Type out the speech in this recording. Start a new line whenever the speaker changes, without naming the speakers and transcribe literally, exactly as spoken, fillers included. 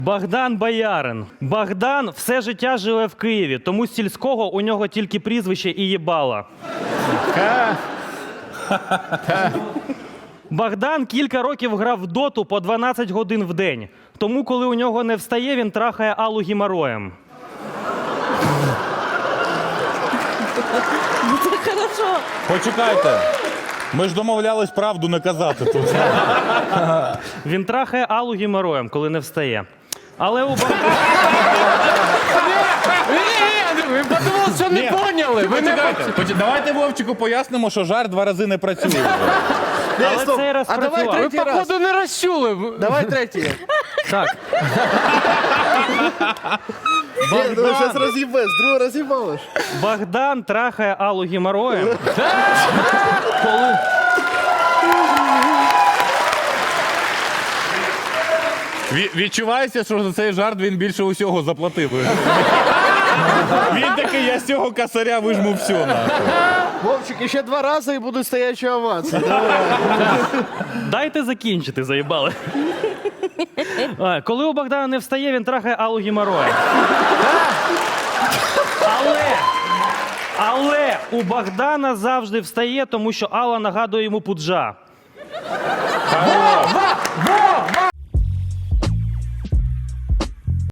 Богдан Боярин. Богдан все життя живе в Києві, тому з сільського у нього тільки прізвище і їбала. Богдан кілька років грав в доту по дванадцять годин в день. Тому, коли у нього не встає, він трахає Аллу геморроєм.
Це хорошо.
Почекайте. Ми ж домовлялись правду не казати тут.
Він трахає Аллу геморроєм, коли не встає. Але у Богдана...
Ні, ви подумали, що не
Ні.
поняли. Ви не
Почекайте. Поч- Давайте Вовчику пояснимо, що жарт два рази не працює вже.
Але цей раз
А давай
працював.
Ви,
третій раз.
походу, не розчули.
Давай третій.
Так.
Ні, ну зараз роз'їбеш, другий роз'їбалиш.
Богдан трахає Аллу геморроєм. Коли...
Ві- Відчувається, що за цей жарт він більше усього заплатив. Він такий, я з цього косаря вижму все, нахуй.
Вовчик, ще два рази і будуть стоячі овації.
Дайте закінчити, заїбали. А, коли у Богдана не встає, він трахає Аллу геморроєм. Але, але у Богдана завжди встає, тому що Алла нагадує йому пуджа.